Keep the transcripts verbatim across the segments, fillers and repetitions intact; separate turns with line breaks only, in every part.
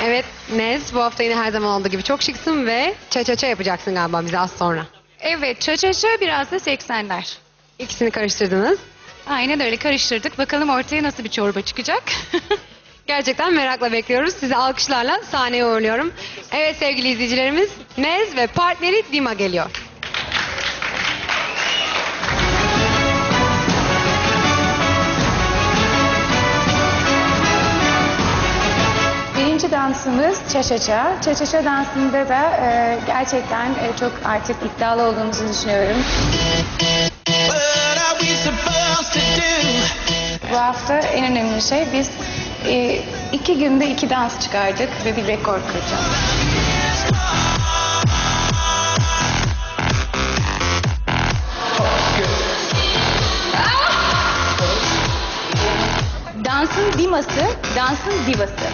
Evet Nez, bu hafta yine her zaman olduğu gibi çok şıksın ve ça ça ça yapacaksın galiba bize az sonra.
Evet, ça-ça-ça biraz da seksenler.
İkisini karıştırdınız.
Aynen öyle karıştırdık. Bakalım ortaya nasıl bir çorba çıkacak.
Gerçekten merakla bekliyoruz. Sizi alkışlarla sahneye uğurluyorum. Evet sevgili izleyicilerimiz, Nez ve partneri Dima geliyor.
Birinci dansımız ça-ça-ça. Ça-ça-ça dansında da e, gerçekten e, çok artık iddialı olduğumuzu düşünüyorum. Bu hafta en önemli şey biz e, iki günde iki dans çıkardık ve bir rekor kıracağız. Dansın diması, dansın divası.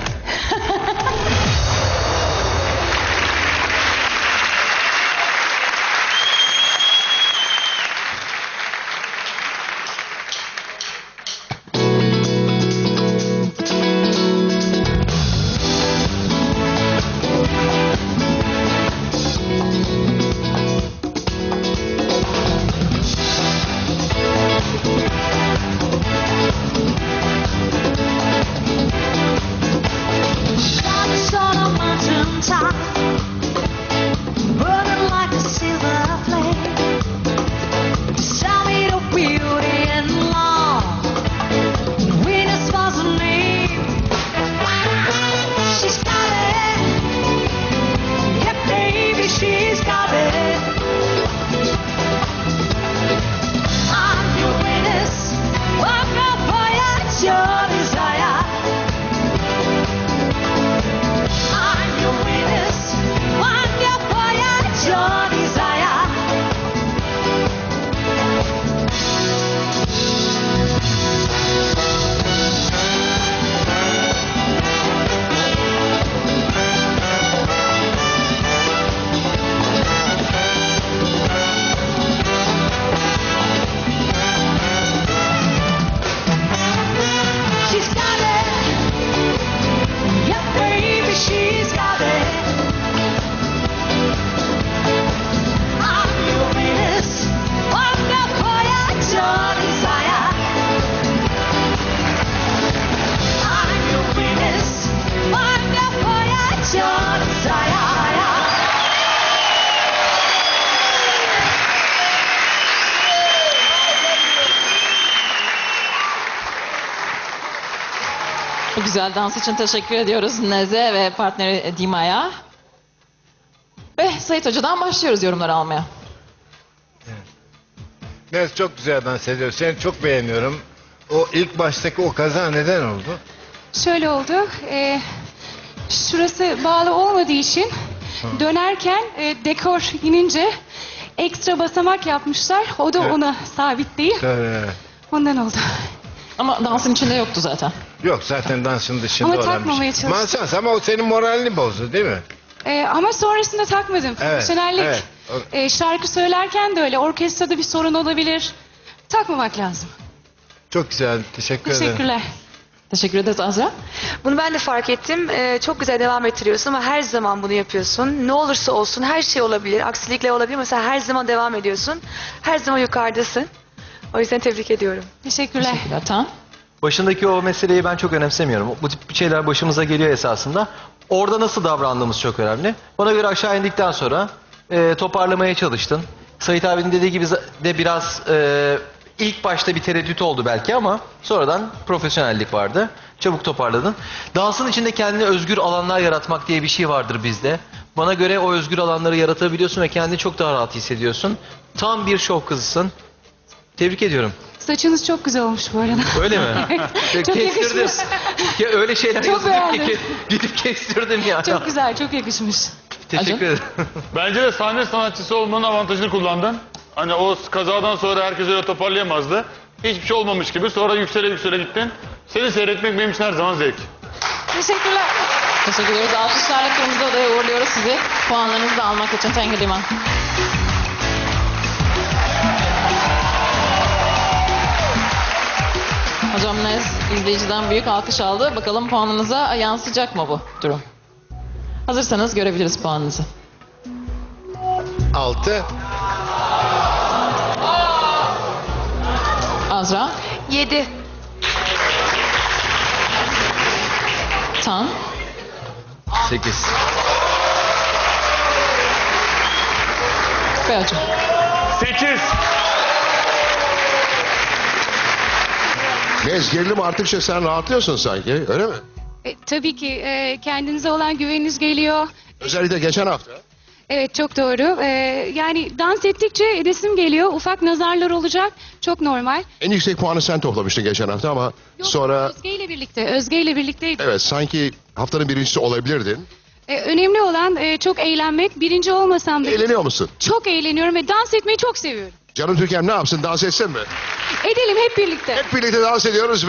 Bu güzel dans için teşekkür ediyoruz Nez'e ve partneri Dima'ya. Ve Sait Hoca'dan başlıyoruz yorumları almaya.
Nez çok güzel dans ediyor. Seni çok beğeniyorum. O ilk baştaki o kaza neden oldu?
Şöyle oldu, e, şurası bağlı olmadığı için dönerken e, dekor inince ekstra basamak yapmışlar. O da
Evet.
ona sabit değil.
Tabii.
Ondan oldu.
Ama dansın içinde yoktu zaten.
Yok zaten dansın dışında
Ama
olan bir
takmamaya
şey.
çalıştım.
Mansas ama o senin moralini bozdu değil mi?
E, ama sonrasında takmadım. Profesyonellik.
evet.
E, şarkı söylerken de öyle. Orkestrada bir sorun olabilir. Takmamak lazım.
Çok güzel. Teşekkür ederim.
Teşekkürler.
Teşekkür ederiz Azra.
Bunu ben de fark ettim. Ee, çok güzel devam ettiriyorsun ama her zaman bunu yapıyorsun. Ne olursa olsun her şey olabilir. Aksilikler olabilir ama sen her zaman devam ediyorsun. Her zaman yukarıdasın. O yüzden tebrik ediyorum.
Teşekkürler.
Teşekkürler. Tamam.
Başındaki o meseleyi ben çok önemsemiyorum. Bu tip şeyler başımıza geliyor esasında. Orada nasıl davrandığımız çok önemli. Bana göre aşağı indikten sonra e, toparlamaya çalıştın. Sait abinin dediği gibi de biraz e, ilk başta bir tereddüt oldu belki ama sonradan profesyonellik vardı. Çabuk toparladın. Dansın içinde kendine özgür alanlar yaratmak diye bir şey vardır bizde. Bana göre o özgür alanları yaratabiliyorsun ve kendini çok daha rahat hissediyorsun. Tam bir şov kızısın. Tebrik ediyorum.
Saçınız çok güzel olmuş bu arada.
Öyle mi?
Çok
Kestirdim.
yakışmış.
Ya öyle şeyler
Çok
yazılıyor ki
beğendim.
gidip kestirdim ya.
Çok güzel, çok yakışmış.
Teşekkür ederim.
Bence de sahne sanatçısı olmanın avantajını kullandın. Hani o kazadan sonra herkes öyle toparlayamazdı. Hiçbir şey olmamış gibi sonra yüksele yüksele gittin. Seni seyretmek benim için her zaman zevk.
Teşekkürler.
Teşekkür ediyoruz. Alkışlarla kırmızı odaya uğurluyoruz sizi. Puanlarınızı da almak için Tengri Liman. Hocam Nez izleyiciden büyük alkış aldı. Bakalım puanınıza yansıyacak mı bu durum? Hazırsanız görebiliriz puanınızı.
Altı.
Azra,
Yedi.
Tan,
sekiz.
ve Acun.
sekiz.
Nez gerilim arttıkça sen rahatlıyorsun sanki, öyle mi?
E, tabii ki e, kendinize olan güveniniz geliyor.
Özellikle geçen hafta.
Evet, çok doğru. E, yani dans ettikçe resim geliyor. Ufak nazarlar olacak. Çok normal.
En yüksek puanı sen toplamıştın geçen hafta ama
Yok,
sonra
Özge ile birlikte. Özge ile birlikteydik.
evet sanki haftanın birincisi olabilirdin.
E, önemli olan e, çok eğlenmek. Birinci olmasam da
Eğleniyor musun?
çok eğleniyorum ve dans etmeyi çok seviyorum.
Canım Türkan ne yapsın, dans etsin mi?
Edelim hep birlikte.
Hep birlikte dans ediyoruz.